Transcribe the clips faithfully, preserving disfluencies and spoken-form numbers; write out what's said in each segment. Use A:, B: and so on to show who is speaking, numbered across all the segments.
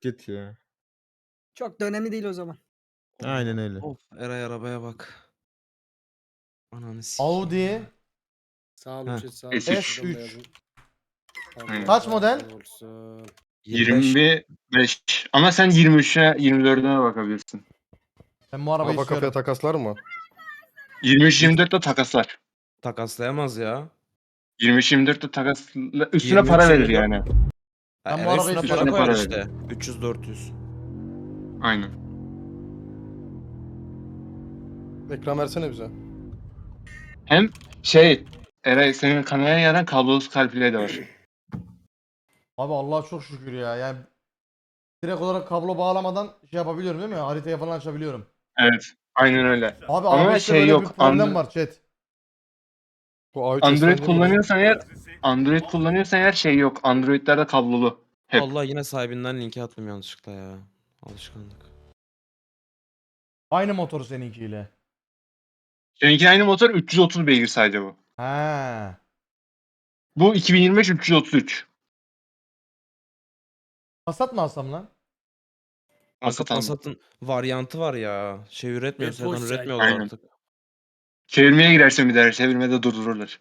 A: bisiklet ya.
B: Çok da önemli değil o zaman.
A: Aynen öyle.
C: Of Eray arabaya bak. Ananı sikeyim.
D: Audi
E: Sağ olun
C: Heh.
E: chat sağ olun.
A: S
D: üç.
E: Şuradan da yazın.
A: Aynen.
D: Kaç model?
E: Olsun.
C: yirmi beş.
A: yirmi beş. Ama sen yirmi üçe yirmi dördüne bakabilirsin.
D: Ben bu arabayı
F: Kafa kafaya
D: istiyorum.
F: takaslar mı?
A: yirmi üç yirmi dört de takaslar.
C: Takaslayamaz ya.
A: yirmi üç yirmi dört de takas üstüne
C: yirmi üç,
A: para verir
C: yirmi dört.
A: yani.
C: Ha,
D: Ben bu
C: Eray
D: arabayı
C: üstüne
D: istiyorum.
C: para koyar
A: Para
C: işte. üç yüz dört yüz.
A: Aynen.
F: Ekran versene bize.
A: Hem şey Eray senin kameraya yaran kablosuz CarPlay de var.
D: Abi Allah'a çok şükür ya. Yani direkt olarak kablo bağlamadan şey yapabiliyorum değil mi? Haritaya falan açabiliyorum.
A: Evet. Aynen öyle.
D: Abi
A: Ama
D: A beşte
A: şey
D: böyle
A: yok,
D: bir problem
A: Android-
D: var chat.
F: Bu A üç
A: Android
F: S'ten değil mi?
A: kullanıyorsan eğer Android kullanıyorsan eğer şey yok. Android'lerde kablolu. Hep.
C: Allah yine sahibinden linki attım yanlışlıkla ya. Alışkanlık.
D: Aynı motoru seninkiyle.
A: Seninki aynı motor üç yüz otuz beygir sadece bu.
D: He.
A: Bu iki bin yirmi beş üç yüz otuz üç.
D: Passat mı alsam lan?
A: Passat aldım.
C: Passat'ın varyantı var ya. Şey üretmiyor,
E: Ve
C: sedan
E: Porsche.
C: üretmiyorlar
A: Aynen.
C: artık.
A: Çevirmeye girersen bir daha çevirmede durdururlar.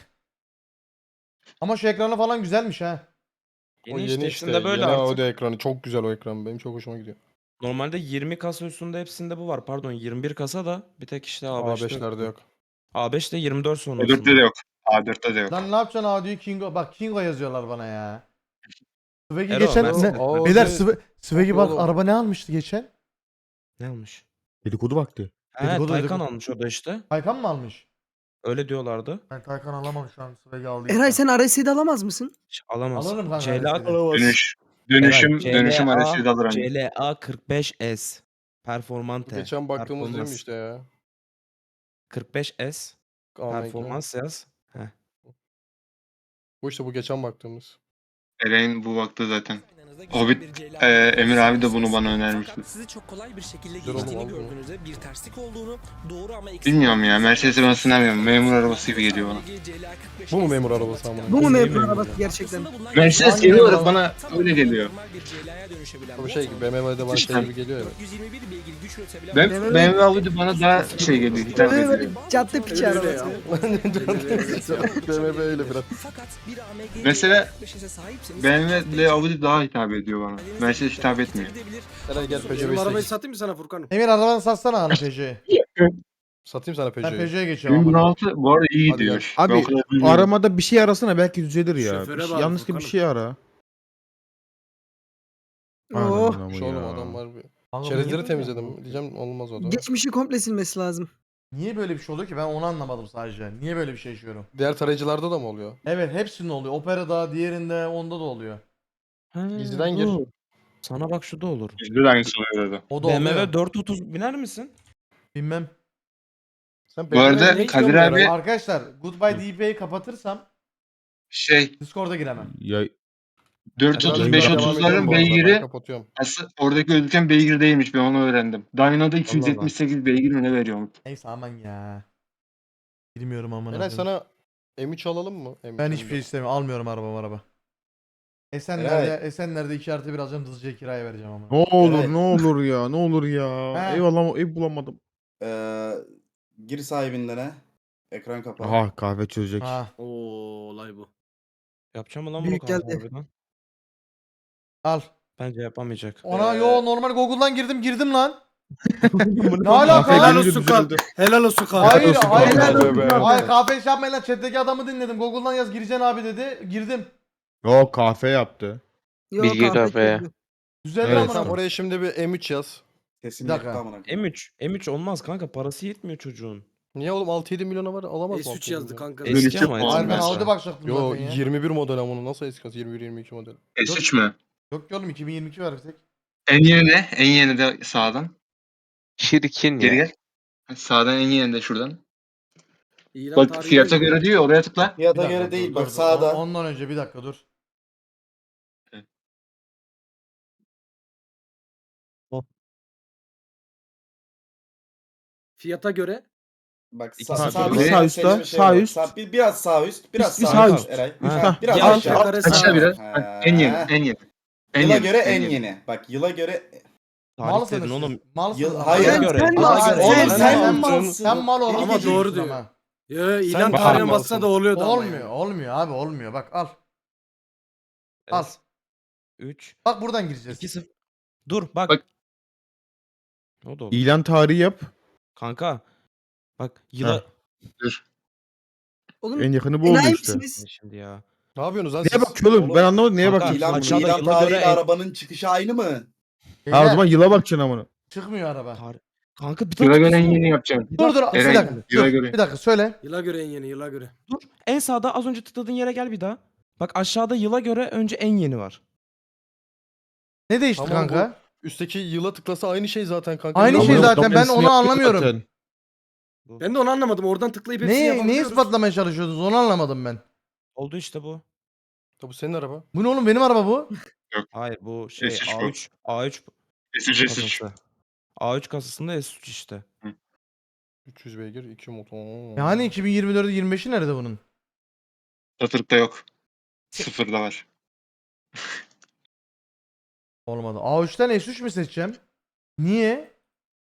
D: Ama şu ekranı falan güzelmiş ha.
F: O
C: Yeni,
F: yeni
C: işte,
F: işte.
C: hepsinde böyle
F: Yeni
C: artık.
F: Audi ekranı. Çok güzel o ekran. Benim çok hoşuma gidiyor.
C: Normalde yirmi kasa üstünde hepsinde bu var. Pardon yirmi bir kasa da bir tek işte A
F: A
C: beşte
F: beşlerde yok.
C: A beş de yirmi dört
A: A
C: sonrasında.
A: dörtte de yok. A dörtte de yok.
D: Lan ne yapacaksın Audi'yi Kingo? Bak Kingo yazıyorlar bana ya. Swaggy
C: Ero,
D: geçen
C: Mercedes.
D: ne?
F: Audi-
D: Beyler Sw- Swaggy bak
F: Oğlum.
D: araba ne almıştı geçen?
C: Ne almış?
A: Dedikodu vakti.
C: He
D: Dedikodu,
C: Taycan
D: dedikodu.
C: almış o da işte.
D: Taycan mı almış?
C: Öyle diyorlardı.
D: Ben Taycan alamam şu an Swaggy aldı.
B: Eray sen R S'yi de alamaz mısın?
C: Hiç alamaz.
D: Alırım kanka
C: C L A,
D: R S'yi.
A: Dönüş. Dönüşüm,
C: Eray,
A: dönüşüm
C: C L A
A: arasıyla alır hani.
C: C L A kırk beş S.
F: Bu
C: Performante.
F: geçen baktığımız değil mi
C: Performans.
F: işte ya?
C: kırk beş S.
F: Ahmet'le.
C: Performans yaz. Heh.
F: Bu işte bu geçen baktığımız.
A: Eray'ın bu vakti zaten. Hobbit, e, Emir abi de bunu bana önermişti.
G: Fakat sizi çok kolay bir şekilde
F: Dur oğlum,
G: geçtiğini
F: aldım.
G: gördüğünüzde bir terslik olduğunu, doğru ama eksik
A: Bilmiyorum ya,
G: olduğunu
A: Mercedes'i ben sınamıyorum. Memur arabası gibi geliyor bana.
F: Bu mu memur arabası amına?
B: Bu mu
C: Değil
B: memur
C: mi?
B: arabası gerçekten?
A: Mercedes
D: Hangi
A: genel
D: memur
A: olarak bana öyle geliyor.
F: Bu şey gibi B M W'de bana
A: İşte.
F: şey gibi geliyor ya.
A: Ben
B: B M W
A: B M W Audi bana daha şey geliyor, hitap ediyor.
B: Böyle cadde piçi
E: Öyle ya.
B: arabası.
F: B M W öyle biraz.
A: Mesela B M W ile Audi daha hitap ediyor bana. Mercedes hitap etmiyor.
F: Eray gel Peugeot
E: Benim arabayı
F: beş sekiz.
E: satayım mı sana Furkan'ım?
D: Emir arabanı satsana ana Peugeot'u.
F: Satayım sana
D: Ben
F: Peugeot'u.
D: Peugeot'a geçiyorum
A: bin
D: ama.
A: altı bu arada iyi
F: Hadi gel.
A: gidiyor. Ben o
H: Abi
A: kadar bilmiyorum.
H: aramada bir şey arasana belki düzelir ya.
E: Şoföre
H: Bir şey-
E: bağlı
H: yanlışlıkla bir
E: Furkan'ım.
H: şey ara.
B: Oh.
H: Ananın amı
F: Şu oğlum
H: ya.
F: adam var bir.
D: Kanka bu niye
F: Çerezleri
D: böyle
F: temizledim.
D: oldu?
F: Diyeceğim olmaz o da.
B: Geçmişi komple silmesi lazım.
D: Niye böyle bir şey oluyor ki ben onu anlamadım sadece. Niye böyle bir şey yaşıyorum?
F: Diğer tarayıcılarda da mı oluyor?
D: Evet hepsinde oluyor. Opera'da, diğerinde, onda da oluyor.
C: Ha,
F: Gizliden gir.
C: dur. Sana bak şu da olur.
A: Bizde de aynısı oluyor orada.
D: O da
C: B M
D: oluyor.
C: W dört otuz biner misin?
D: Bilmem.
F: Sen
A: Bu arada
F: Peugeot'u ne
A: Kadir
F: istiyorsun
A: abi-
F: Eray?
D: Arkadaşlar Goodbye D P'yi kapatırsam
A: Şey
D: Discord'a giremem.
H: Ya,
A: dört
F: Biraz
A: otuz beş
F: daha devam ediyorum
A: otuzların
F: bu arada, ben
A: beygiri
F: kapatıyorum.
A: aslında oradaki gözüken beygir değilmiş, ben onu öğrendim. Dyno'da iki yüz yetmiş sekiz beygir mi ne veriyormuş?
D: Neyse aman ya. Bilmiyorum aman.
F: Eray sana M üç alalım mı? M üç,
D: Ben
F: M
D: hiçbir şey
F: dört.
D: istemiyorum. Almıyorum araba araba. Esenler'de, Esenler'de iki artı bir alacağım. Hızlıca kiraya vereceğim ama.
H: ne olur
I: Evet.
H: ne olur ya ne olur ya.
D: He.
H: Eyvallah ev bulamadım.
I: Ee, gir sahibinden ne? Ekran kapağı.
H: Aha kahve çözecek.
D: Ha,
E: Oo olay bu.
C: Yapacağım mı lan bunu
B: Büyük
C: kanka
B: geldi.
C: harbiden?
D: al.
C: Bence yapamayacak.
D: Ona
I: Ee,
D: yo normal Google'dan girdim girdim lan. ne
H: Kahve
D: alaka
E: Helal
D: lan?
H: gelince
E: olsun kan.
H: düzeldi.
E: Helal olsun kan.
D: Hayır
H: olsun
D: hayır.
H: kanka.
D: Hayır,
F: Helal olsun.
D: hayır kahve iş yapmayın lan. Chat'teki adamı dinledim. Google'dan yaz gireceksin abi dedi. Girdim.
H: Yok kahve yaptı.
B: Yok,
J: Bilgi
B: kahve
J: kahveye.
B: çözdü.
D: Güzel
H: Evet.
D: ama
F: Tamam
D: lan.
F: oraya şimdi bir M üç yaz.
I: Sesini
D: Bir dakika.
I: yaktı amına koyayım.
C: M üç. M üç olmaz kanka, parası yetmiyor çocuğun.
F: Niye oğlum altı yedi milyona var alamaz mı?
E: S
F: altı
E: üç
F: yedi
E: yazdı
F: milyon?
E: kanka.
C: Eski
A: Dönüşü
C: ama
A: puan
D: Hayır ben
C: eski.
D: Audi bakacaktım
F: Yo
D: zaten ya.
F: yirmi bir model ama onu nasıl eski? yirmi bir yirmi iki model.
A: S üç mü?
D: Yok ki oğlum iki bin yirmi iki var bir tek.
A: En yeni ne? En yeni de sağdan.
J: Çirkin
A: Geri
J: ya.
A: gel. Sağdan en yeni de şuradan.
E: İlan
A: Bak
E: tarihi
A: fiyata
E: yazıyor.
A: göre diyor, oraya tıkla.
D: Bir
I: Fiyata
D: dakika,
I: göre
D: dur,
I: değil
D: dur,
I: bak
D: dur.
I: sağda.
D: On- Ondan önce bir dakika dur.
E: Fiyata göre.
I: Bak
C: İki
I: sağ,
C: saat
I: sağ,
C: bir
I: bir
H: sağ
I: bir
H: üstte,
I: bir şey
H: sağ
I: var.
H: üst.
I: Sağ- bir, biraz sağ üst, biraz
H: Bir
I: sağ,
H: sağ
I: üst.
H: üst.
I: Eray.
C: Ha.
I: Ha, biraz
E: Bir
I: aşağı.
E: aşağı yukarı
A: Aşağı
E: sağ.
A: biraz.
I: Ha.
A: Bak, en yeni, en yeni. En
I: Yıla
A: yeni,
I: göre
A: en
I: en
A: yeni.
I: yeni. Bak yıla göre
C: Tarih
D: Malsınız
C: dedin
D: siz.
C: oğlum.
D: Malsınız.
I: Yıl-
D: ama.
I: hayır.
C: Yıla
B: Sen-
C: göre.
B: sen
C: yıla
B: malsın,
C: göre.
I: Oğlum
B: sen-
I: sen,
B: sen
I: malsın.
D: Sen mal olarak
E: Ama
D: geçiyorsun
E: doğru diyor.
D: ama.
E: Ya ilan
F: Sen
E: tarihine
F: malsın.
E: bassa da oluyordu ama
D: Olmuyor,
E: yani.
D: olmuyor abi olmuyor. Bak al. Al.
C: üç.
D: Bak buradan gireceğiz.
C: iki sıfır. Dur bak.
A: Bak.
C: O da olur.
H: İlan tarihi yap.
C: Kanka. Bak yıla...
B: Oğlum
H: En yakını bu oldu
B: enayi
H: işte.
B: misiniz?
C: Şimdi ya.
F: Ne yapıyorsunuz lan
H: Neye
F: siz?
H: bakıyorsun oğlum? Ben anlamadım neye
C: Kanka,
H: bakacaksın?
I: İlan,
C: aşağıda
I: ilan
C: yıla
I: tarihiyle
C: göre en-
I: arabanın çıkışı aynı mı?
H: Ha o
D: Beyler,
H: zaman yıla bakacaksın amına.
D: çıkmıyor araba.
C: Tarih. Kanka bir dakika.
A: Yıla göre en
C: dur.
A: yeni yapacaksın.
C: Bir
D: Dur dur
C: dakika.
D: bir
A: Eren,
D: dakika.
A: yıla
D: Dur,
A: göre.
D: bir dakika söyle.
E: Yıla göre en yeni yıla göre.
C: Dur. En sağda az önce tıkladığın yere gel bir daha. Bak aşağıda yıla göre önce en yeni var.
D: Ne değişti
F: Tamam,
D: kanka?
F: Üstteki yıla tıklasa aynı şey zaten kanka.
D: Aynı
F: Niye
D: şey
F: amına
D: zaten,
F: koyayım?
D: ben onu anlamıyorum.
H: Zaten.
E: Ben de onu anlamadım. Oradan tıklayıp hepsini
D: Neyi, neyi
E: yapabiliyoruz.
D: ispatlamaya çalışıyordunuz onu anlamadım ben.
C: Oldu işte bu.
F: Ya bu senin araba.
D: Bu ne oğlum, benim araba bu.
C: Hayır bu şey
A: S üç bu.
C: A üç. A üç
A: S üç S üç.
C: kasası. A üç kasasında S üç işte.
F: üç yüz beygir, iki motor.
D: Yani iki bin yirmi dördü yirmi beşi nerede bunun?
A: Satırıkta yok. Sıfırda var.
D: Olmadı. A üçten S üç mü seçeceğim? Niye?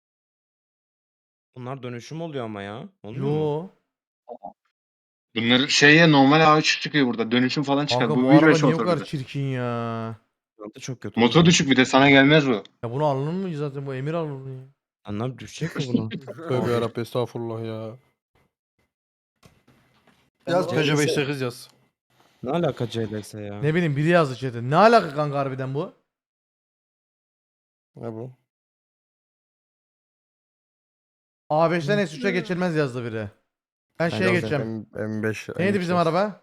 C: Bunlar dönüşüm oluyor ama ya. Olmuyor mu?
D: Yo.
A: Bunlar şeye normal A üç çıkıyor burada. Dönüşüm falan çıkar.
D: Kanka
A: bu
D: bu
A: bir
D: araba
A: beş
D: niye o
A: motor
D: kadar
A: bir de.
D: çirkin ya?
C: Fiyatı çok kötü.
A: Motor düşük bir de sana gelmez bu.
D: Ya bunu alınır mı zaten, bu emir alınır ya.
C: Anlam düşecek mi buna?
F: Tövbe yarabbim estağfurullah ya. Yaz
I: Ben-
F: Peugeot beş sekiz yaz.
C: Ne alaka C L S ya?
D: Ne bileyim, biri yazdı chat'e. Ne alaka kanka harbiden bu?
F: Ne bu?
D: A beşten S üçe geçilmez yazdı biri. Ben
C: Ben
D: şeye
C: yazdım.
D: geçeceğim.
H: M- M5.
D: Neydi bizim araba?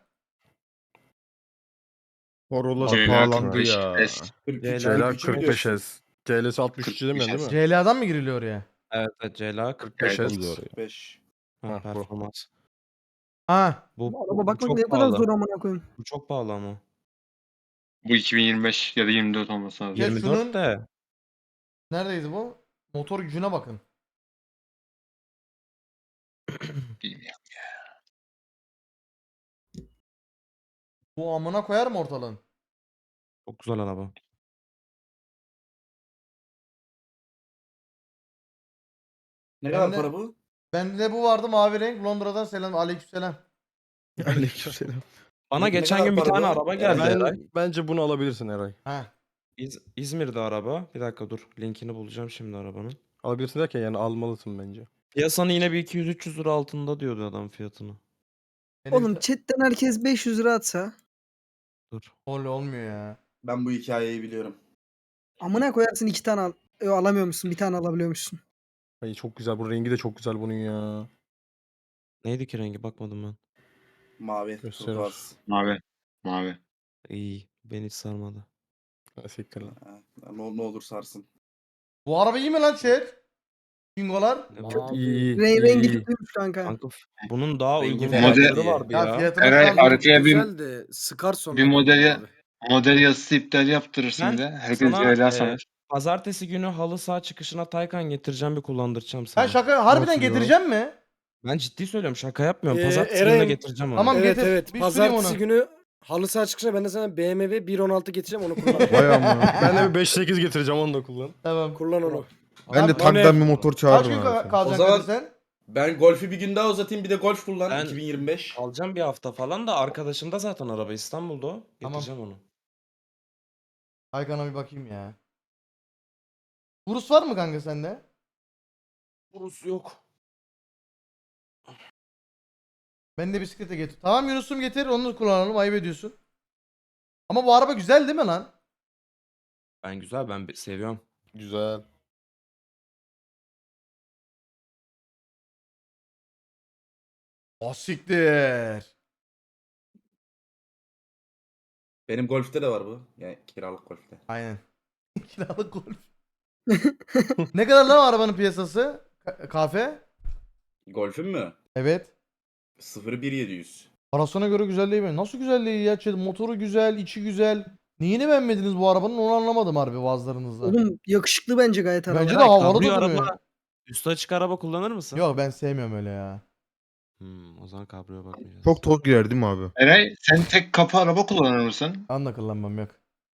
H: Corolla
A: C L A
H: pahalandı
A: kırk beş
H: ya.
A: S.
C: C L A
H: C L A kırk beş S. C L S altmış üç demiyorsun değil mi?
D: C L A'dan mı giriliyor oraya?
C: Evet, evet C L A kırk
H: kırk beş
A: Evet,
H: S.
I: beş.
C: Ha,
H: Ha, bu.
C: performans.
D: Ha.
C: Bu,
B: Bu
C: bu,
B: araba
C: bu
B: bakmak
C: çok
B: ne kadar
C: pahalı.
B: zor amına koyayım.
C: Bu çok pahalı ama.
A: Bu iki bin yirmi beş ya da yirmi dört olması lazım.
D: Ya
C: yirmi
D: şunun-
C: dört de.
D: Neredeydi bu? Motor gücüne bakın.
A: Bilmiyorum.
D: Bu amına koyar mı ortalığın?
C: Çok güzel araba.
I: Ne
D: Ben
I: kadar
D: de-
I: para bu?
D: Bende bu vardı, mavi renk. Londra'dan selam. Aleykümselam.
H: Aleykümselam.
C: Bana
I: Ne- ne
C: geçen
I: kadar
C: gün bir
I: para
C: tane
I: bu?
C: araba geldi
H: Ben,
C: Eray.
F: Bence bunu alabilirsin Eray.
D: Ha.
C: İz- İzmir'de araba. Bir dakika dur. Linkini bulacağım şimdi arabanın.
F: Alabilirsin derken yani almalısın bence.
C: Piyasanın yine bir iki yüz üç yüz lira altında diyordu adam fiyatını.
D: Benim
B: Oğlum chatten herkes beş yüz lira atsa.
C: Dur.
D: Öyle olmuyor ya.
I: Ben bu hikayeyi biliyorum.
B: Amına koyarsın iki tane al. Yo, alamıyormuşsun, bir tane alabiliyormuşsun.
F: Ay çok güzel. Bu rengi de çok güzel bunun ya.
C: Neydi ki rengi bakmadım ben.
I: Mavi.
F: Gösterir.
I: turkuaz.
A: Mavi. Mavi.
C: İyi. Beni hiç sarmadı.
F: Ha, siktir lan.
I: Ha, Ne, ne olur sarsın.
D: Bu araba iyi mi lan chat? Bingolar.
C: Ne bu?
E: Abi,
F: İyi iyi.
B: Re
F: iyi,
B: rengi
F: iyi.
B: kötüymüş kanka.
C: Kanka f- bunun daha
I: Rengi
C: uygun
I: fena
C: fiyatları
I: değil.
C: vardı
D: Ya,
C: ya.
D: fiyatını
A: Eray
D: sağ-
A: arkaya bir
E: Güzel de sıkar sonra.
A: bir modeli-
E: abi.
A: model yazısı iptal yaptırırsın
C: Ben
A: bir de. Herkes
C: sana,
A: C L A
C: e,
A: sanar.
C: Pazartesi günü halı saha çıkışına Taycan getireceğim bir kullandıracağım sana.
D: Sen şaka harbiden
F: Nasıl ya?
D: getireceğim mi?
C: Ben ciddi söylüyorum, şaka yapmıyorum.
E: Ee,
C: Pazartesi günü de
E: Eren-
C: getireceğim onu.
D: Tamam.
E: Evet
D: getir.
E: evet.
D: Bir süreyim
E: Pazartesi
D: onu.
E: günü halı saha çıkışına ben de sana B M W bir on altı getireceğim, onu kullan.
H: Vay amına.
F: Ben de bir beş sekiz getireceğim onu da kullan.
D: Tamam.
E: kullan onu.
H: Ben de
D: Abi,
H: tanktan bir motor
D: Kaç
H: çağırırım.
D: gün
H: abi
D: ka-
H: sana.
D: kalacaksın
I: O zaman-
D: sen?
I: Ben Golf'ü bir gün daha uzatayım, bir de Golf kullan.
C: Ben-
I: iki bin yirmi beş.
C: Alacağım bir hafta falan da arkadaşım da zaten araba İstanbul'da o.
D: Tamam.
C: Getireceğim onu.
D: Haykan'a bir bakayım ya. Urus var mı kanka sende?
C: Burası yok.
D: Ben de bisiklete getir. Tamam Yunus'um, getir onu kullanalım, ayıp ediyorsun. Ama bu araba güzel değil mi lan?
C: Ben güzel, ben bi- seviyorum.
F: Güzel.
D: Asiktir.
I: Benim Golf'te de var bu. Yani kiralık Golf'te.
D: Aynen. Kiralık golf. Ne kadar lan o arabanın piyasası? Ka- Kafe?
I: Golf'ün mü?
D: Evet.
I: sıfır bir yedi yüz.
D: Parasına göre güzel değil mi? Nasıl güzel değil ya? Şey, motoru güzel, içi güzel. Neyini beğenmediniz bu arabanın, onu anlamadım harbi bazılarınızda.
B: Oğlum yakışıklı bence gayet araba.
D: Bence de
C: Eray,
D: havalı
C: kabrio
D: da duruyor.
C: araba, üstü açık araba kullanır mısın?
D: Yok, ben sevmiyorum öyle ya.
C: Hmm, o zaman kabriyo bakmayacağız.
H: Çok tok girer değil mi abi?
A: Eray sen tek kapı araba kullanır mısın?
D: Ben de kullanmam, yok.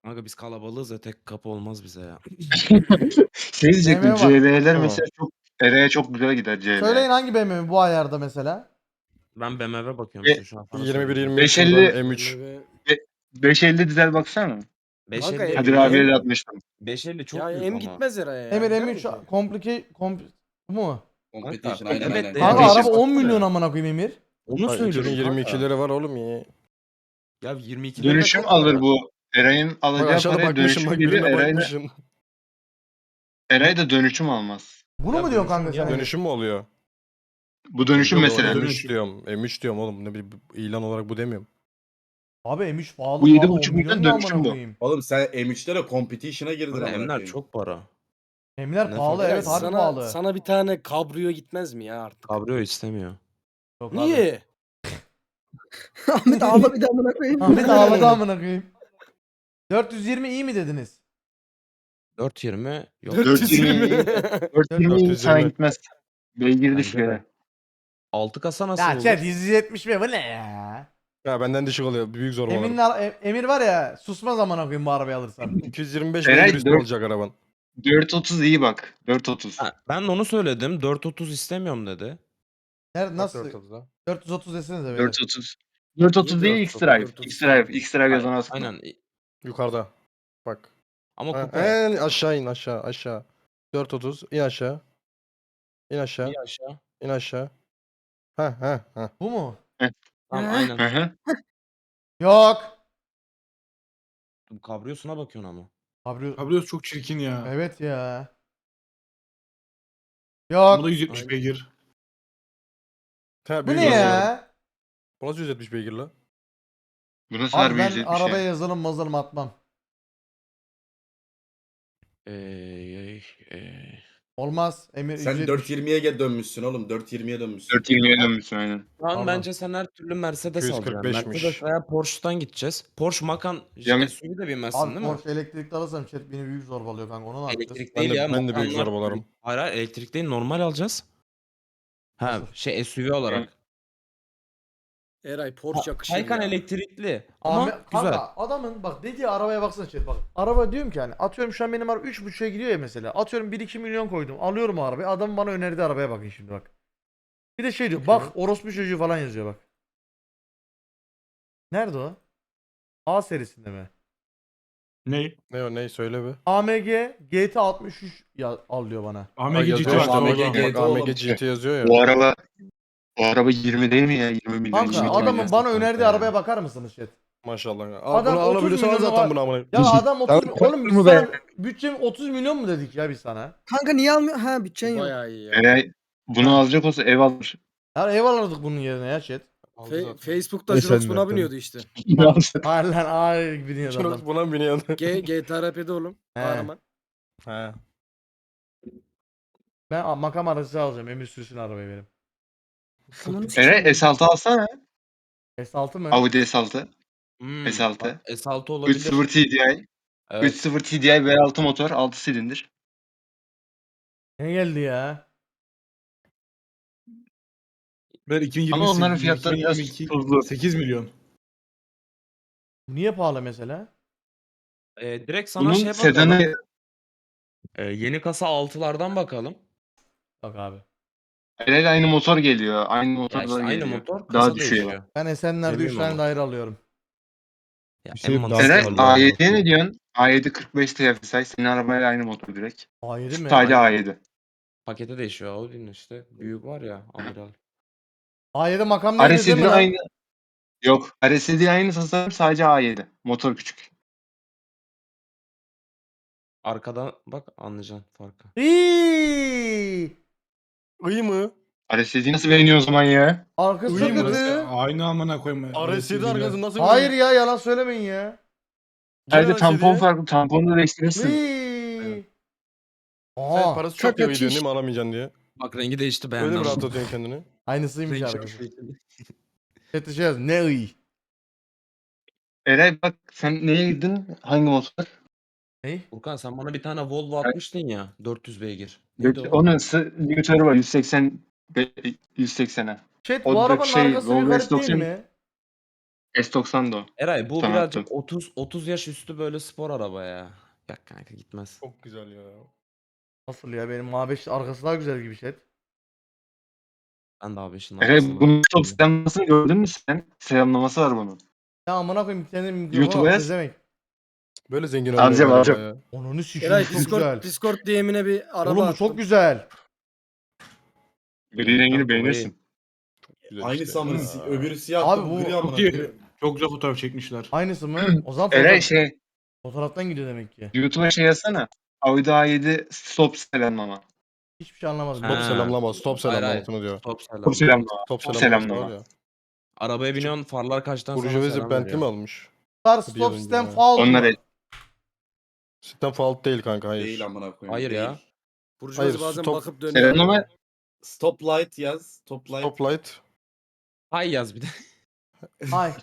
C: Kanka biz kalabalığız ya tek kapı olmaz bize ya.
A: Şey diyecektim.
D: B M W var.
A: C L'ler
F: Tamam.
A: mesela çok Eray'a çok güzel gider C L.
D: Söyleyin hangi B M W bu ayarda mesela?
C: Ben B M W bakıyorum
A: E,
C: işte şu an. sana
F: yirmi bir
C: söyleyeyim.
F: yirmi üç
A: beş elli
F: M üç.
E: B M W.
A: beş elli dizel baksana.
C: beş
E: Kanka,
C: elli
A: Kadir
E: M-
A: abiye de
E: M-
A: atmıştım.
C: beş elli çok
E: Ya
C: büyük
E: M
C: ama.
E: gitmez herhalde ya.
D: Emir
E: gider
D: M
E: mi
D: üç
E: ki?
D: komplike komp bu mu?
I: Competition
C: Kanka,
I: aynen
C: evet
I: aynen.
C: de-
D: Kanka
A: beş
D: araba
A: yüz
D: on milyon amına koyayım Emir.
C: Onu söylüyorum
F: iki bin yirmi
C: kanka.
F: ikileri var oğlum ya.
C: Ya yirmi iki
A: Dönüşüm alır bu. Eray'ın
F: Bak
A: alacağı
F: aşağıda
A: paraya
F: bakmışım
A: dönüşüm
F: bak
A: gelir.
F: birine
A: Eray da,
F: bakmışım.
A: Eray da dönüşüm almaz.
D: Bunu
C: Ya
D: mu diyorsun
C: dönüşüm
D: kanka
C: ya,
D: sen?
F: Dönüşüm mü oluyor?
A: Bu dönüşüm
F: Yok,
A: mesela.
F: M üç diyorum. M üç diyorum oğlum. Ne bileyim ilan olarak bu demiyorum.
D: Abi M üç pahalı
A: Bu yedi
D: pahalı on
A: buçuk
D: milyon
A: milyon
D: ne
A: dönüşüm
D: amına
A: bu.
D: koyayım.
I: Oğlum sen M üç'lere competition'a girdin
C: Kanka
I: amına
C: Emler
I: koyayım.
C: çok para.
D: Emler
C: Ne
D: pahalı
C: fark
D: evet
E: Ya
D: harbi
E: sana,
D: pahalı.
E: sana bir tane kabrio gitmez mi ya artık?
C: Kabrio istemiyor.
D: Yok abi.
E: Niye?
B: Ahmet ağla bir daha amına koyayım.
D: Ahmet ağladı amına koyayım. dört yüz yirmi iyi mi dediniz?
C: dört yirmi yok.
A: dört yüz yirmi dört yüz yirmi sana
F: yirmi.
A: gitmez. Beygir
C: Bence
A: düşük
C: de.
A: yere.
C: altı kasa nasıl
D: Ya
C: olur?
D: chat yüz yetmiş mi bu ne ya?
F: Ya benden düşük oluyor. Büyük zor
D: Emin,
F: var.
D: Emir var ya susmaz amına koyayım bu arabayı alırsan.
F: iki yüz yirmi beş
A: Eray,
F: beygir üstü
A: dört-
F: olacak araban.
A: dört otuz iyi bak. dört otuz.
C: Ha, ben de onu söyledim. dört otuz istemiyorum dedi.
D: Nerede nasıl?
F: Bak dört otuzda.
D: dört yüz otuz desenize böyle.
A: dört otuz. dört otuz değil
E: dört
A: X-Drive.
E: otuz?
A: X-Drive. X-Drive yazan aslında.
C: Aynen.
F: Yukarıda. Bak.
C: Ama
F: Ha,
C: kupe.
F: en aşağı in aşağı aşağı. dört otuz in aşağı. İn aşağı.
C: Bir aşağı.
F: İn aşağı. Ha ha ha.
D: Bu mu?
C: Tamam
B: Ha?
C: aynen.
A: Hı hı.
D: Yok.
C: Bu kabriyosuna bakıyorsun ama.
D: Kabrio.
H: Kabrios çok çirkin ya.
D: Evet ya.
H: Bu
D: Yok.
H: da yüz yetmiş
C: Aynen.
H: beygir.
F: Ha,
D: Bu
F: büyük
D: ne
F: zor var.
D: ya?
F: Bu nasıl yüz yetmiş beygir la?
A: Bu nasıl
D: Abi
A: harbi
D: ben
A: yüz yetmiş
D: arabaya
A: ya?
D: yazılım mazılım atmam.
C: Eee eee.
D: Olmaz. Emir
I: Sen
D: yüz yetmiş.
I: dört yirmiye ge- dönmüşsün oğlum. dört yirmiye dönmüşsün.
A: dört yirmiye dönmüşsün aynen.
C: Şu an
D: Pardon.
C: bence sen her türlü Mercedes
F: iki yüz kırk
C: alacaksın.
F: beşmiş.
C: Mercedes veya Porsche'dan gideceğiz. Porsche Macan
A: Ya-
C: S U V de binmezsin
D: Abi
C: değil mi?
D: Porsche elektrikli alırsam chat beni büyük zorbalıyor kanka onu ne yapacağız?
C: Elektrik
F: Ben
C: değil
F: de-
C: ya.
F: ben de büyük
C: Macanlar-
F: zorbalarım.
C: Hayır hayır elektrik değil normal alacağız. Ha
D: Nasıl?
C: şey S U V olarak.
E: Eray Porsche yakışır
C: Taycan
E: ya.
C: elektrikli ama
D: Ahmet,
C: güzel.
D: kanka adamın bak dediği arabaya baksana chat bak. Araba diyorum ki hani atıyorum şu an benim araba üç buçuğa gidiyor ya mesela. Atıyorum bir iki milyon koydum. Alıyorum o arabayı. Adam bana önerdiği arabaya bakın şimdi bak. Bir de şey diyor bak orospu çocuğu falan yazıyor bak. Nerede o? A serisinde mi?
H: Ne?
F: Ne o ne söyle be.
D: A M G G T altmış üç ya, al diyor bana.
H: A M
F: Bak
H: G G T
F: yazıyor
H: var.
F: işte
I: A M G
H: orada.
I: G T
F: bak A M G
I: oğlum.
F: G T yazıyor ya.
A: Bu araba bu araba yirmi değil mi ya? yirmi milyon.
D: Kanka
A: yirmi
D: adamın
A: milyon.
D: bana
C: kanka
D: önerdiği
C: ya.
D: arabaya bakar mısınız chat?
F: Maşallah. ya.
D: Adam
F: Adam bunu
D: otuz
F: alabiliyorsan al
D: milyonu
F: zaten
D: var.
F: bunu amına.
D: Ya adam otuz
A: Tamam,
D: oğlum biz
A: mu
D: sana
A: be?
D: bütçem otuz milyon mu dedik ya biz sana?
B: Kanka niye almıyor? Ha bütçen yok.
E: Bayağı iyi ya.
A: Eray bunu alacak olsa ev alır.
D: Ya ev alırdık bunun yerine ya chat.
F: Aldı
E: Fe-
F: zaten.
E: Facebook'ta
H: Ne
E: Jirox
H: sen
E: buna
H: zaten?
E: biniyordu işte.
D: Hayır lan ay biniyor adam.
F: Şurak buna mı biniyordu?
E: G GTA R P'de oğlum.
D: He.
E: Kahraman.
F: He.
D: Ben a- makam aracı alacağım. Emir sürsün arabayı benim.
B: Ananı sikeyim.
A: Eray S altı alsana.
D: S altı mı?
A: Audi S altı.
C: Hmm,
A: S altı.
C: bak, S altı
A: üç
C: olabilir.
A: sıfır T D I.
C: Evet.
A: üç sıfır T D I V altı motor. altı silindir.
D: Ne geldi ya?
H: Ben iki bin yirmi
A: Ama onların
H: sekiz,
A: fiyatları biraz
H: iki bin yirmi iki,
A: tuzlu.
H: sekiz milyon.
D: Bu niye pahalı mesela?
C: Ee, direkt sana
A: Bunun
C: şey bakalım.
A: sedanı
C: Ee, yeni kasa altılardan bakalım.
D: Bak abi.
A: Eray'la aynı motor geliyor. Aynı
C: Ya
A: motor
C: işte
A: da
C: aynı
A: geliyor.
C: motor kasa
A: Daha düşüyor.
C: değişiyor.
D: Ben Esenler'de üç
C: Sevmiyorum
D: tane
C: ama.
D: daire alıyorum.
C: Ya,
H: Şey,
C: en
H: daha
C: mantıklı
A: Eray
H: pahalı
C: olan.
A: A yediye ne diyorsun? A yedi kırk beş T F S I. Senin arabayla aynı motor direkt.
D: A yedi mi?
A: Sadece A yedi.
C: Pakete değişiyor Audi'nin işte. Büyük var ya amiral.
D: A yedi makam neydi değil mi
A: R S D
D: lan?
A: aynı. Yok. R S D aynı tasarım sadece A yedi. Motor küçük.
C: Arkadan bak anlayacaksın farkı.
D: İyi.
F: İyi mi?
A: R S D'yi nasıl beğeniyor o zaman ya?
D: Arkası da
F: Uyum mu?
D: kötü.
H: Aynı amına koyma.
F: R S D arkası nasıl
D: Hayır ya yalan söylemeyin ya.
A: Sadece tampon farklı. Tamponu da değiştirirsin.
D: İyi.
F: Sen
D: Aa,
F: parası çok diye
B: Kaka
F: gidiyorsun
B: çiş.
F: değil mi alamayacaksın diye.
C: Bak rengi değişti
F: Öyle
C: beğendim.
F: mi rahatlatıyorsun kendini?
D: aynısıymış
C: Rengi
D: arkadaşlar.
C: değişti.
D: Chat'te şey yaz. Ne iyi.
A: Eray bak sen neye girdin? Hangi motor?
D: Ne?
C: Furkan sen bana bir tane Volvo atmıştın ya. dört yüz beygir. Neydi o?
A: Onun sı- limitörü var yüz seksen be- yüz seksene.
D: Chat
A: O
D: bu
A: da
D: arabanın
A: şey,
D: arkası bir
A: Volvo
D: garip
A: S doksan
D: değil mi?
A: S doksan da o.
C: Eray bu
A: Tamam,
C: birazcık
A: tamam.
C: otuz otuz yaş üstü böyle spor araba ya. Yok kanka gitmez.
F: Çok güzel ya.
D: Nasıl ya benim A beş arkası daha güzel gibi şey.
C: Ben de A beşin
A: Eray
C: arkasına.
A: bunun stop selamlamasını gördün mü sen? Selamlaması var bunun.
D: Ya amına koyayım bir tane mikrofon
A: YouTube'a
D: al
A: yaz.
D: pezevenk.
F: Böyle zengin
A: Alacağım,
F: olmuyor galiba
A: alacağım.
F: ya.
D: Onunu sikeyim
E: Eray
D: çok güzel.
E: Discord, Discord D M'ine bir araba
D: Oğlum bu
E: attım.
D: çok güzel.
A: Gri rengini
C: Kanka,
A: beğenirsin.
F: Güzel
I: Aynısı
F: işte.
I: ama
F: Ya.
I: si- öbürü siyah
D: Abi
I: da
D: bu-
I: bu gri amına
H: Çok iyi.
I: koyayım.
H: Çok güzel fotoğraf çekmişler.
D: Aynısı mı? O zaman
A: Eray
D: fotoğraf,
A: şey
D: fotoğraftan gidiyor demek ki.
A: YouTube'a şey yazsana. Audi A yedi stop selamlama.
D: Hiçbir şey anlamadım.
F: Stop
C: Ha.
F: selamlama. Stop
C: Hayır, hayır.
F: selamlamasını diyor.
C: Stop selam.
A: Stop selamlama.
F: Stop
A: Stop
F: selamlaması
A: selamlama.
F: var ya.
C: Arabaya biniyorsun farlar kaçtan sonra
F: Burjuvazi
C: selam
F: Bentley mi
C: veriyor.
F: almış?
D: Star
F: Bir
D: stop
F: yıl önce
D: system
F: ya.
D: faul
A: Onlar
D: mu?
F: Sistem fault değil kanka, hayır.
I: Değil amına koyayım.
C: Hayır
I: değil.
C: ya.
E: Burjuvazi
F: Hayır,
E: bazen
F: stop-
E: bakıp dönüyor.
A: Selamlama
I: Stop light yaz. Stop light.
F: Stop light.
C: Hay yaz bir de.
D: Ay.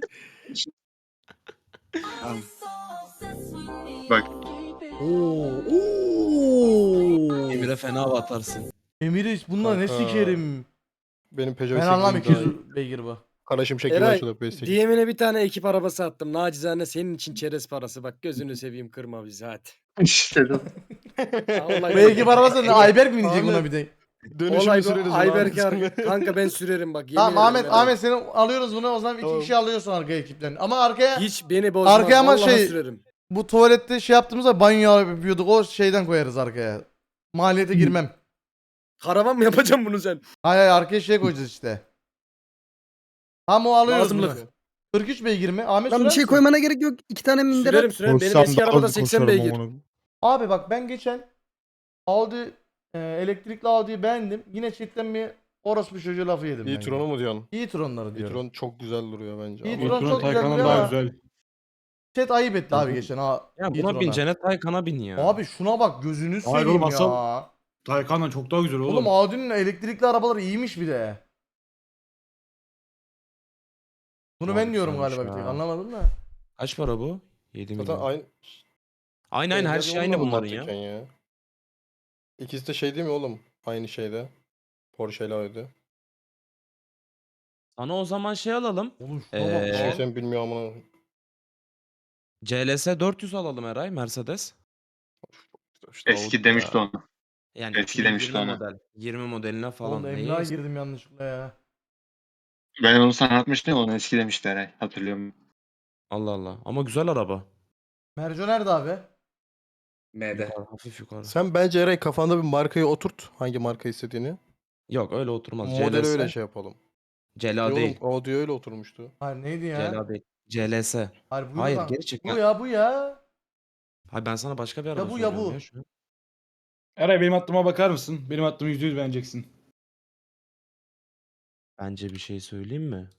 A: bak.
D: Oo. Oo.
C: Emir'e fena batarsın.
D: Emir'i bunlar ne
F: Kanka.
D: sikerim.
F: Benim Peugeot
D: Ben anlam
F: sekiz yüz
D: iki
F: daha
D: yüz beygir bu.
F: Kara şimşek gibi
E: Eray,
F: açılıyor P S sekiz.
E: D M'ine bir tane ekip arabası attım. Nacizane senin için çerez parası. Bak gözünü seveyim kırma bizi hadi.
A: İşte de.
E: Vallahi
D: Bu ekip arabası ne? Ayberk mi binecek
E: Ahmet,
D: buna bir de?
F: Dönüşümü
E: Olay bu.
F: süreriz.
E: Ayberk
F: ulan.
E: ar- kanka ben sürerim bak. yemin
D: Tamam
E: ederim
D: Ahmet,
E: ben-
D: Ahmet seni alıyoruz bunu o zaman iki
F: Tamam.
D: kişi alıyorsun arkaya ekipten. Ama arkaya
E: Hiç beni bozmaz.
D: Arkaya ama
E: Vallahi
D: şey-
E: sürerim.
D: bu tuvalette şey yaptığımızda banyo yapıyorduk o şeyden koyarız arkaya. Maliyete girmem.
E: Karavan mı yapacaksın bunu sen?
D: Hayır hayır arkaya şey koyacağız işte. Tamam o alıyoruz bunu.
E: Lazımlık.
D: kırk üç beygir mi? Ahmet
B: Lan bir
D: sürer
B: şey
D: misin?
B: koymana gerek yok. İki tane minder
E: Sürerim
B: at.
E: sürerim. Benim eski arabada seksen beygir.
D: Abi bak ben geçen Audi e, elektrikli Audi'yi beğendim. Yine chatten bir orospu çocuğu lafı yedim ben.
F: E-tron'u mu diyorsun?
D: E-tron'ları diyorum.
F: E-tron çok güzel duruyor bence.
D: E-tron
F: ama-
H: Patron
D: çok güzel
H: Taycan'dan
D: duruyor
H: daha
D: ama-
H: güzel.
D: Chat ayıp etti abi
C: bu-
D: geçen ha.
C: Ya buna
D: E-tron'a.
C: bineceğine Taycan'a bin ya.
D: Abi şuna bak gözünü
H: Hayır
D: seveyim
H: oğlum,
D: ya.
H: asıl- Taycan'dan çok daha güzel oğlum.
D: Oğlum Audi'nin elektrikli arabaları iyiymiş bir de. Bunu ben
C: Abi
D: diyorum
C: güzelmiş
D: galiba bir tek
C: ya.
D: anlamadım da.
C: Kaç para bu? yedi
F: Zaten
C: milyon.
F: aynı.
C: Aynı aynı her
F: Benzer
C: şey aynı
F: olmadı
C: bunların
F: mantıken
C: ya.
F: ya. İkisi de şey değil mi oğlum? Aynı şeyde. Porsche ile Audi.
C: Sana o zaman şey alalım.
D: Oğlum şuna
C: Ee,
D: bak
F: Şey
D: lan.
F: sen bilmiyorum ama.
C: C L S dört yüz alalım Eray Mercedes.
F: İşte
A: Eski
F: Audi
A: demişti
F: ya.
A: onu.
C: Yani
A: Eski demişti
C: iki bin yirmi
A: ona.
C: model. yirmi modeline falan.
D: Oğlum
C: Neyi
D: Emlak'a
C: eski?
D: girdim yanlışlıkla ya.
A: Ben onu sana atmıştım ya, onu eski demişti Eray. Hatırlıyorum.
C: Allah Allah. Ama güzel araba.
D: Merco nerede abi?
I: M'de.
C: Yukarı, hafif yukarı.
F: Sen bence Eray kafanda bir markayı oturt. Hangi marka istediğini.
C: Yok öyle oturmaz.
F: Modeli
C: C L S.
F: öyle şey yapalım.
C: C L
F: Ya
C: A
F: oğlum
C: değil.
F: Audi öyle oturmuştu.
D: Hayır neydi
C: C L
D: ya?
C: A değil. C L S.
D: Hayır bu
C: Hayır
D: lan.
C: geri çık.
D: Bu ya bu ya.
C: Hayır ben sana başka bir araba
D: bu, ya
C: söylüyorum
D: bu.
C: şu an.
H: Eray benim attıma bakar mısın? Benim attığımı yüzde yüz beğeneceksin.
C: Bence bir şey söyleyeyim mi?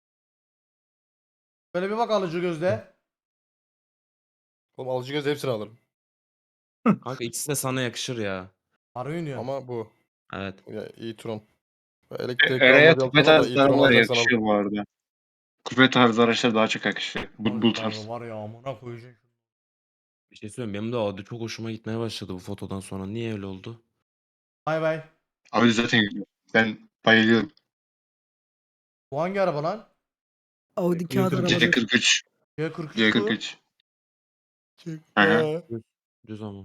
D: Böyle bir bak alıcı gözle.
F: Oğlum alıcı göz hepsini alırım.
C: Kanka ikisi de sana yakışır ya.
D: Harbi oynuyor.
F: Ama bu.
C: Evet.
F: Ya e-tron.
A: E-
F: Elektrikli
A: Eray'a
F: almadı
A: kupe
F: falan da
A: tarzı
F: e-tron
A: arabalar
F: alacaksan al.
A: yakışıyor bu arada. Kupe tarzı araçlar daha çok yakışıyor. Bu, bu tarz.
D: Var ya amına koyacağım.
C: Bir şey söyleyeyim. Benim de Audi çok hoşuma gitmeye başladı bu fotodan sonra. Niye öyle oldu?
D: Bay bay.
A: Abi zaten güzel. Ben bayılıyorum.
D: Bu hangi araba lan?
B: Audi kağıt
H: C
B: arabası.
A: C kırk üç.
D: C kırk üç.
A: C kırk üç. Hı hı.
C: Düz ama.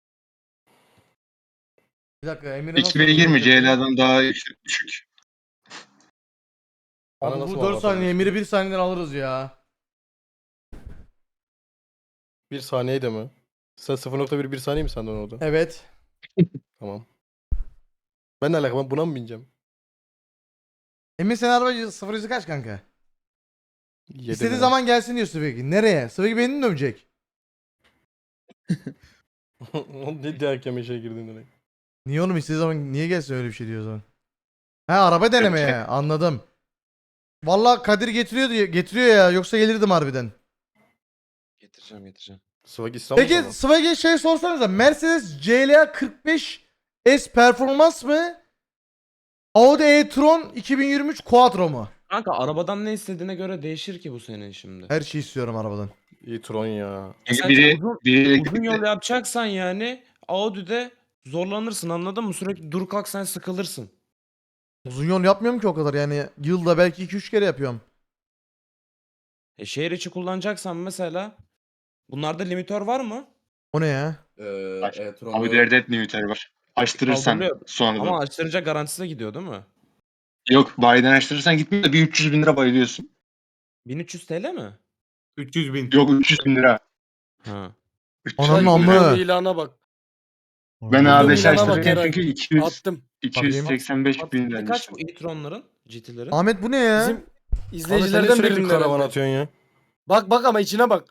D: Bir dakika Emir'e
A: İki beygir mi? C L A'dan daha yüksek, düşük.
F: Bana
D: Abi
F: nasıl
D: bu dört
F: anlatabilirsin?
D: saniye Emir'i bir saniyeden alırız ya.
F: Bir saniyede mi? Sen sıfır nokta bir bir saniye mi sandın orada?
D: Evet.
F: Tamam. Ben ne alaka, ben buna mı bineceğim?
D: Emir senin araba sıfır yüzü kaç kanka?
F: Yedi
D: İstediği
F: mi?
D: zaman gelsin diyor Sıvegi. Nereye? Sıvegi beni mi dövecek?
F: Ne diye hakeme işe girdin direkt.
D: Niye oğlum istediği zaman niye gelsin öyle bir şey diyor o zaman? He araba denemeye anladım. Vallahi Kadir getiriyor diye getiriyor ya yoksa gelirdim harbiden.
C: Getireceğim getireceğim.
F: Swag İstanbul
D: Peki
F: sana.
D: Sıvegi şey sorsanıza Mercedes C L A kırk beş S performans mı? Audi e-tron iki bin yirmi üç Quattro mu?
C: Kanka arabadan ne istediğine göre değişir ki bu senin şimdi.
D: Her şeyi istiyorum arabadan.
F: e-tron ya.
A: Çünkü
C: Sen
A: biri,
C: uzun-
A: biri
C: Uzun
A: elektrikli.
C: yol yapacaksan yani Audi'de zorlanırsın anladın mı? Sürekli dur kalk sen sıkılırsın.
D: Uzun yol yapmıyorum ki o kadar yani yılda belki iki üç kere yapıyorum.
C: E, şehir içi kullanacaksan mesela bunlarda limitör var mı?
D: O ne ya?
I: Ee,
A: Aç-
I: e-tron
A: Abi
I: yok.
A: derde et limiteri var. Açtırırsan
C: Kaldırılıyor.
A: sonradan.
C: Ama açtırınca garantisi de gidiyor değil mi?
A: Yok bayiden açtırırsan gitmiyor da bir üç yüz bin lira bayılıyorsun.
C: bin üç yüz T L mi?
H: üç yüz bin.
A: Yok üç yüz bin lira.
C: Ha.
D: Ananın
E: Bak,
D: amı.
E: ilana bak.
A: Ben
E: Buldum
A: A beş
E: ilana bak
A: açtırırken
E: Eray.
A: çünkü iki yüz,
E: Attım.
A: iki yüz seksen beş bin
C: Patenti
A: lira.
C: kaç bu e-tronların? G T'lerin?
D: Ahmet bu ne ya?
E: Bizim
F: Abi sen niye
E: izleyicilerden
F: sürekli
E: birinin
F: karavan
E: herhalde.
F: atıyorsun ya?
E: Bak bak ama içine bak.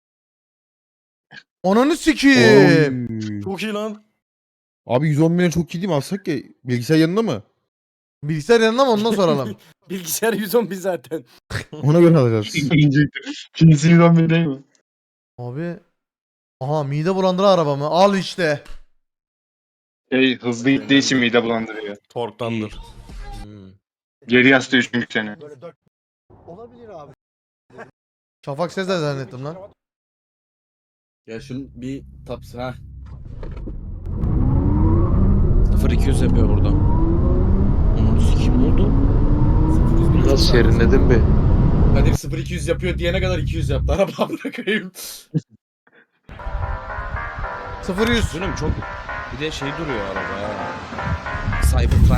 D: Ananı sikeyim.
F: Çok iyi lan.
K: Abi yüz on milyon çok iyi değil mi? Alsak ya. Bilgisayar yanında mı?
D: Bilgisayar yanında mı ondan soralım.
E: Bilgisayar yüz on bin zaten.
K: Ona göre alacağız.
A: İkincisi yüz on bin değil mi?
D: Abi. Aha mide bulandıran araba mı? Al işte.
A: Şey, hızlı gittiği için mide bulandırıyor.
F: Torktandır.
C: Hmm.
A: Geri yaslıyor çünkü seni.
D: Şafak Sezer zannettim lan.
I: Ya şunun bir taps ha.
C: sıfır iki yüz yapıyor burada. Onun sikim oldu.
J: Nasıl serinledin be?
I: Kadir sıfır iki yüz yapıyor diyene kadar iki yüz yaptı. Araba bırakayım.
D: sıfır yüz.
C: Üzülüm çok. Bir de şey duruyor araba ya. Cybertruck.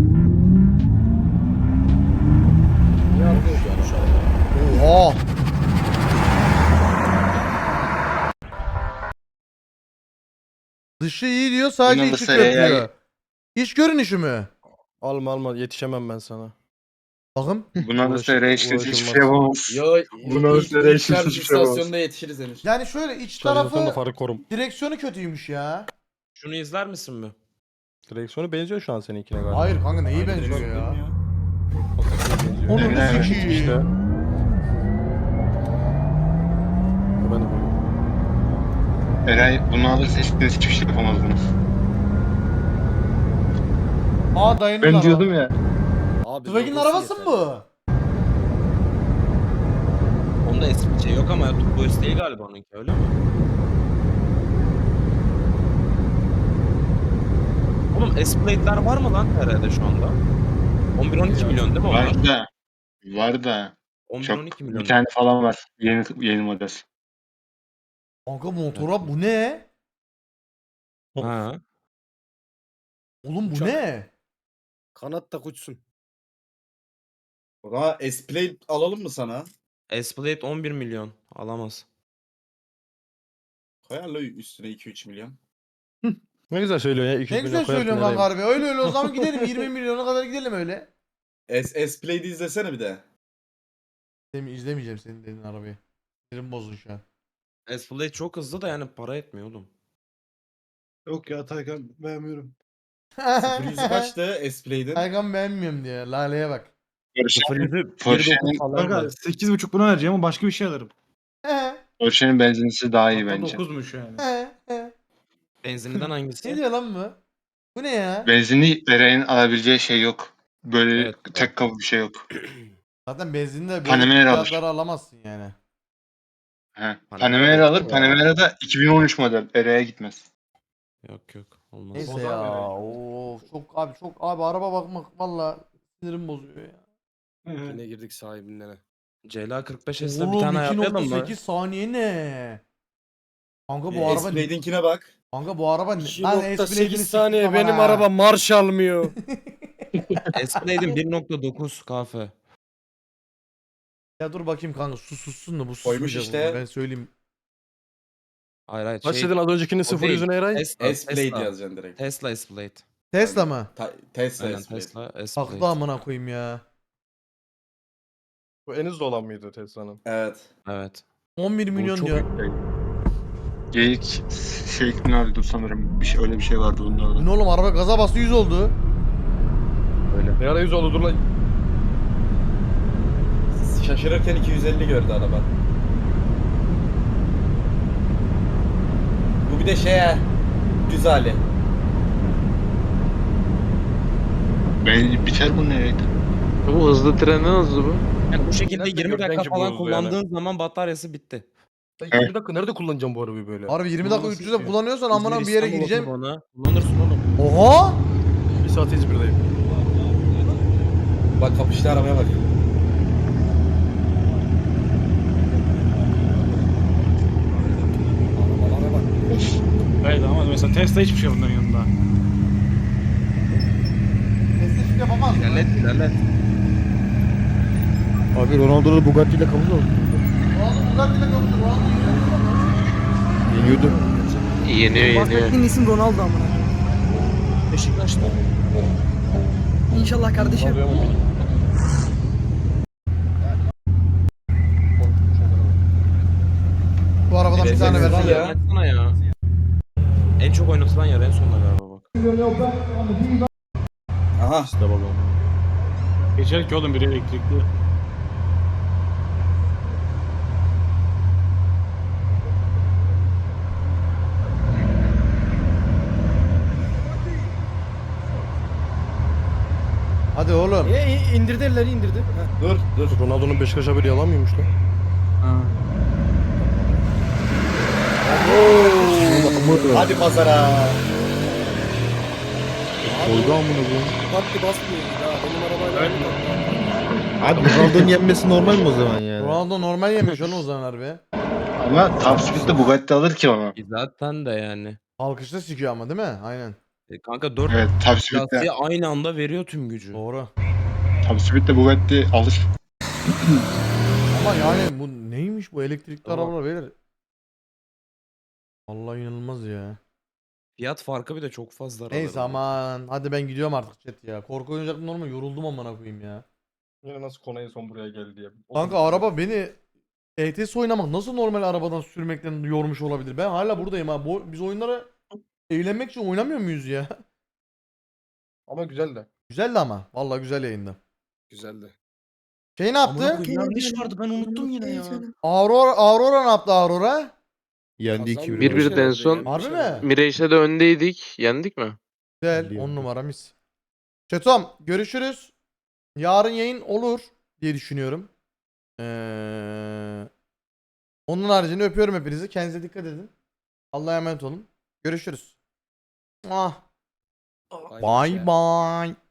D: Oha. Dışı iyi diyor sadece
A: İnanın
D: içi
A: sen
D: kötü
A: ya.
D: diyor. İç görünüşü mü?
F: Alma alma yetişemem ben sana.
D: Bakın.
A: Buna da
F: Uğraş-
A: sere işte hiçbir
F: uğraşılmaz.
A: şey yapamaz.
I: Yo
A: Buna
I: ilk,
A: üstüne
I: ilk
A: hiçbir
I: şarj
A: şey olmaz.
I: istasyonunda yetişiriz henüz.
D: Yani şöyle iç
F: Şarjatörün da
D: tarafı
F: farı korum.
D: direksiyonu kötüymüş ya.
C: Şunu izler misin mi?
F: Direksiyonu benziyor şu an seninkine galiba.
D: Hayır kanka neyi benziyor ya?
F: Benziyor.
D: Onu
A: Evet,
D: ne sikiyim?
F: İşte. Ben de böyle.
A: Eray bunu alırsa hiçbir hiçbir şey yapamazdınız.
D: Aa dayının
A: Ben
D: araba.
A: diyordum ya.
E: Abi
D: Tüfek'in
E: logosu
D: arabası mı
E: yeter.
D: bu?
C: Onda eski şey yok ama Turbo S değil galiba onunki öyle mi? Oğlum S-Plate'ler var mı lan herhalde şu anda? on bir on iki milyon değil mi onlar?
A: Var da. Var da.
C: on bir on
A: Çok.
C: iki milyon.
A: Bir tane falan var. Yeni yeni model.
D: Kanka motora bu ne?
C: Ha.
D: Oğlum bu
E: Uçak.
D: ne?
E: Kanat da uçsun.
I: O zaman S-Play alalım mı sana?
C: S-Plate on bir milyon. Alamaz.
I: Koyarla üstüne iki üç milyon.
F: Ne güzel söylüyor ya. iki yüz
D: Ne
F: milyon
D: güzel
F: koyarsın
D: söylüyorsun kanka
F: nereye?
D: harbi. Öyle öyle o zaman gidelim yirmi milyona kadar gidelim öyle.
I: S S-Play'de izlesene bir de.
D: Demi izlemeyeceğim senin dediğin arabayı. Sinirim bozdu şu an.
C: S-Plate çok hızlı da yani para etmiyor oğlum.
H: Yok ya Taycan beğenmiyorum.
I: sıfır yüzü kaçtı S-Play'din?
D: Aygan beğenmiyorum diye. Laleye bak.
A: Porsche'nin
C: Porsche'nin falan
H: Kanka
C: var.
H: sekiz buçuk buna vereceğim ama başka bir şey alırım.
A: Porsche'nin benzinlisi daha iyi
H: Hatta
A: bence.
H: dokuzmuş yani.
C: Benzinliden
D: Ne
C: hangisi?
D: diyor lan bu? Bu ne ya?
A: Benzinli Eray'ın alabileceği şey yok. Böyle
C: Evet.
A: tek kapı bir şey yok.
D: Zaten benzinde böyle
A: Panamera alır.
D: fiyatları alamazsın yani.
A: He.
C: Panamera
A: Panamera alır.
C: ya.
A: Panamera da iki bin on üç model. Eray'a gitmez.
C: Yok yok. Olmaz.
D: Neyse
H: Bozar
D: ya.
H: böyle.
D: Of çok abi çok abi araba bakmak valla sinirim bozuyor ya.
E: Yine girdik sahibinden.
C: C L A kırk beş S'le bir
D: Oğlum
C: tane
D: iki
C: ayarlayalım
D: nokta
C: mı?
D: sekiz saniye ne? Kanka bu
I: Ee,
D: araba
I: S-Play'inkine bak.
D: Kanka bu araba ne?
E: iki
D: Lan
E: nokta
D: S-Blade'ini
E: sekiz
D: siktim
E: saniye
D: aman
E: benim
D: ha.
E: araba marş almıyor.
C: S-Plate'in bir nokta dokuz kafe.
D: Ya dur bakayım kanka sus sussun da bu
I: Koymuş
D: susmayacak
I: işte.
D: bunu, ben söyleyeyim.
C: Hayır hayır.
F: Kaç
C: şey,
F: dedin az öncekinin
C: o
F: sıfır
C: değil.
F: yüzüne Eray?
C: Tesla,
I: S-Play
C: Tesla.
I: yazacaksın direkt.
C: Tesla S-Plate.
D: Tesla mı?
I: Ta- Tesla
C: Aynen
I: S-Play.
C: Tesla
D: Haklı
C: S-Plate.
D: amına koyayım ya.
F: Bu en hızlı olan mıydı Tesla'nın?
I: Evet.
C: Evet.
D: on bir
C: Bu
D: milyon
C: çok
D: diyor.
C: yüksek.
A: Geyik şey nerede sanırım. Bir şey, öyle bir şey vardı bunda
D: Bu
A: da.
D: ne oğlum araba gaza bastı yüz oldu.
F: Ne ara yüz oldu dur lan.
I: Şaşırırken iki yüz elli gördü araba. Bu bir de şey ha. Düz hali.
A: Ben biter bu nereydi?
J: Bu hızlı tren ne hızlı bu?
C: Yani bu şekilde
F: Nerede
C: yirmi
F: gördün
C: dakika
F: ki bu
C: falan
F: hızlı yani?
C: kullandığın zaman bataryası bitti.
F: Ben yirmi dakika nerede kullanacağım bu arabayı böyle?
D: Harbi yirmi dakika
F: Kullanması
D: üç yüzde
F: için.
D: kullanıyorsan amına bir yere
C: İstanbul
D: gideceğim.
C: otobana kullanırsın oğlum.
D: Oha!
F: Bir saat İzmir'deyim.
I: Bak kapıştı arabaya bak.
H: Evet ama mesela Tesla hiçbir şey bunların yanında.
D: Tesla hiçbir yapamaz.
C: İlerlet ilerlet.
K: Abi Ronaldo'da Bugatti ile kapı oldu.
D: Ronaldo Bugatti'yle kapışır. Ronaldo
K: Yeniyordu.
J: Yeniyor yeniyor.
B: Bahsettiğin isim Ronaldo amına.
G: Beşiktaş'ta.
B: İnşallah kardeşim.
D: Bu arabadan bir tane versin ya.
C: Oynatsana ya. En çok oynatılan yer en sonunda galiba bak.
I: Aha.
H: Geçer ki oğlum biri elektrikli.
D: Hadi oğlum.
E: E, e, indirdi elleri indirdi. Ha.
I: Dur dur.
F: Ronaldo'nun Beşiktaş haberi yalan mıymış lan?
I: Hadi pazara.
K: Koydu amına koyayım.
E: Bugatti basmıyor ya. Benim arabayla aynı tatlı.
K: Abi Ronaldo'nun yenmesi normal mi o zaman yani?
D: Ronaldo normal yemiş oğlum o zaman harbi.
A: Ama Top Speed'de Bugatti alır ki onu.
C: Zaten de yani.
D: Alkışta sikiyor ama değil mi? Aynen.
C: E kanka dört
A: Evet Top Speed'de.
C: lastiği aynı anda veriyor tüm gücü.
D: Doğru.
A: Top Speed'de Bugatti alır.
D: Ama yani bu neymiş bu elektrikli
C: Tamam.
D: arabalar beyler? Allah inanılmaz ya.
C: Fiyat farkı bir de çok fazla.
D: Neyse
C: aralarında.
D: aman. Hadi ben gidiyorum artık chat ya. Korku oyuncaklığında normal yoruldum amına koyayım ya.
F: Yine nasıl konu en son buraya geldi diye.
D: Kanka araba beni E T S oynamak nasıl normal arabadan sürmekten yormuş olabilir? Ben hala buradayım ha. Bu, biz oyunlara eğlenmek için oynamıyor muyuz ya?
F: Ama güzel de.
D: Güzeldi ama. Vallahi güzel yayında.
E: Güzeldi.
D: Şey ne
C: Amına
D: yaptı?
C: koyayım, yanlış vardı ben unuttum yine ya.
D: Aurora, Aurora ne yaptı Aurora?
K: Yendi iki
E: Kazandı,
K: bir.
J: Bir bir
E: bir
J: de en
E: şey
J: son-
E: oldu,
D: Harbi
E: bir şey
D: mi?
E: oldu.
J: Mirage'de de öndeydik. Yendik mi?
D: Güzel.
K: Biliyorum.
D: on numara mis. Çetom görüşürüz. Yarın yayın olur diye düşünüyorum. Ee, onun haricinde öpüyorum hepinizi. Kendinize dikkat edin. Allah'a emanet olun. Görüşürüz. Ah.
E: Bay
D: Bye bye.